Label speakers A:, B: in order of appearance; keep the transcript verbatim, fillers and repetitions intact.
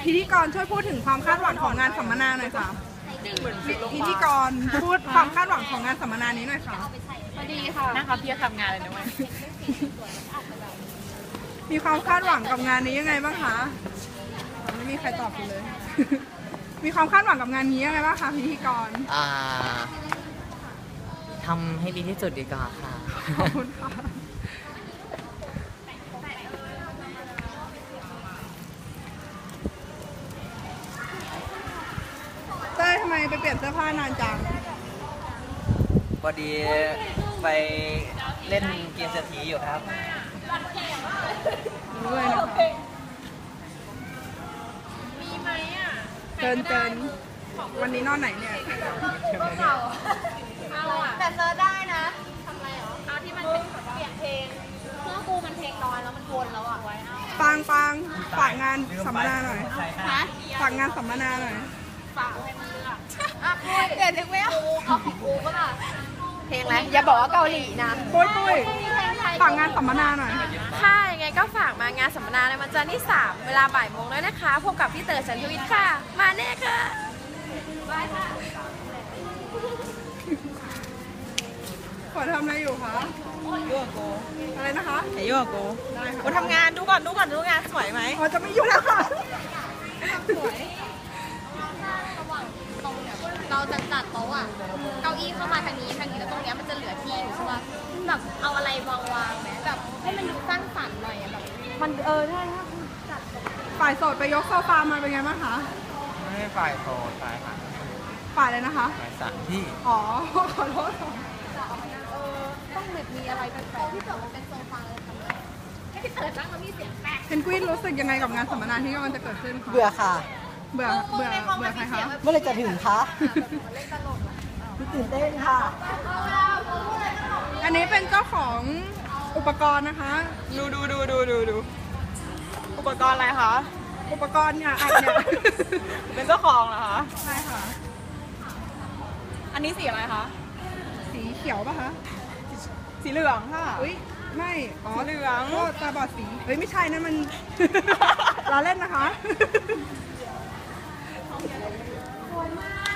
A: พิธีกรช่วยพูดถึงความคาดหวังของงานสัมมนาหน่อยค่ะพิธีกรพูดความคาดหวังของงานสัมมนานี้หน่อยค่ะ
B: พอดีค่ะนะคะพี่จะทำงานเลยนะเว้ย
A: มีความคาดหวังกับงานนี้ยังไงบ้างคะไม่มีใครตอบกูเลย มีความคาดหวังกับงานนี้ยังไงบ้างคะพิธีกร
C: อ่าทำให้ดีที่สุดดีกว่าค่ะ
A: ขอบคุณค่ะเต้ยทำไมไปเปลี่ยนเสื้อผ้านานจัง
C: พอดีไปเล่นเกมเศรษฐีอยู่ครับ
A: รู้เลยนะคะ
B: มีไหมอ่ะ
A: เกินเกินวันนี้นอนไหนเนี่ย
B: เอาอ่ะแต่เซิร์ชได้นะทำไรหรอเอาที่มันเป็นเปลี่ยนเพลงเครื่องกูมันเพลงน้อยแล้วมันวนแล้วอ่ะไว้เอา
A: ปังปังฝากงานสัมมนาหน่อยฝากงานสัมมนาหน่อย
B: ฝากให้มันเลือกอ่ะคุยเดี๋ยวนึกไม่ออกเอาของกูก็ล่ะเพลงอะไรอย่าบอกว่าเกาหลีนะ
A: ปุ้ยปุ้ยฝากงานสัมมนาหน่อย
B: ค่ะยังไงก็ฝากมางานสัมมนาในวันจันทร์ที่สามเวลาบ่ายโมงด้วยนะคะพบกับพี่เต๋อฉันทวิทย์ค่ะมาแน่ค่ะบายค่ะ
A: ขอทำอะไรอยู่คะ
D: ยุ่งโก
A: อะไรนะคะ
D: ไอ้ยุ่งโกได้ค่ะกูทำงานดูก่อนดูก่อนดูงานสวยไหม
A: อ๋อจะไม่ยุ่งแล้วค่ะ
B: สวยเราจะจัดโต๊ะอ่ะเก้าอี้เข้ามาทางนี้ทางนี้แล้วตรงนี้มันจะเหลือที่อยู่ใช่ป่ะแบบเอาอะไรวางวางไหมแบบให้มันดูสร้างสรรค์หน่อยแบบมันเออใช่ถ้าจัด
A: ฝ่ายโสดไปยกโซฟามาเป็นไงบ้างคะ
C: ไม่ใช่ฝ่ายโสดฝ่ายหา
A: ฝ่ายเลยนะคะ
C: ฝ่ายสามที่
A: อ๋อขอโทษ
B: เออต้องแบบมีอะไรแปลกๆที่แบบมันเป็นโซฟาเลยทำไมให้พี่เติร์ดนั่งแล้วมีเสียงแปลก
A: เพนกวินรู้สึกยังไงกับงานสัมมนาที่กำลังจะเกิดขึ้นคะ
D: เบื่อค่ะ
A: เบื่อเบื่อเบื่อใครคะ
D: เมื่อไรจะถึงคะตื่นเต้นค่ะ
A: อันนี้เป็นเจ้าของอุปกรณ์นะคะ
D: ดูดูดูดูดูดูอุปกรณ์อะไรคะ
A: อุปกรณ์เนี่ยอัดเนี่ย
D: เป็นเจ้าของเหรอคะ
A: ใช่ค่ะ
D: อันนี้สีอะไรคะ
A: สีเขียวป่ะคะ
D: สีเหลืองค่ะ
A: อุ้ยไม่อ๋อ
D: เหลือง
A: ก็ตาบอดสีเฮ้ยไม่ใช่นั่นมันล้อเล่นนะคะ
B: สวยมาก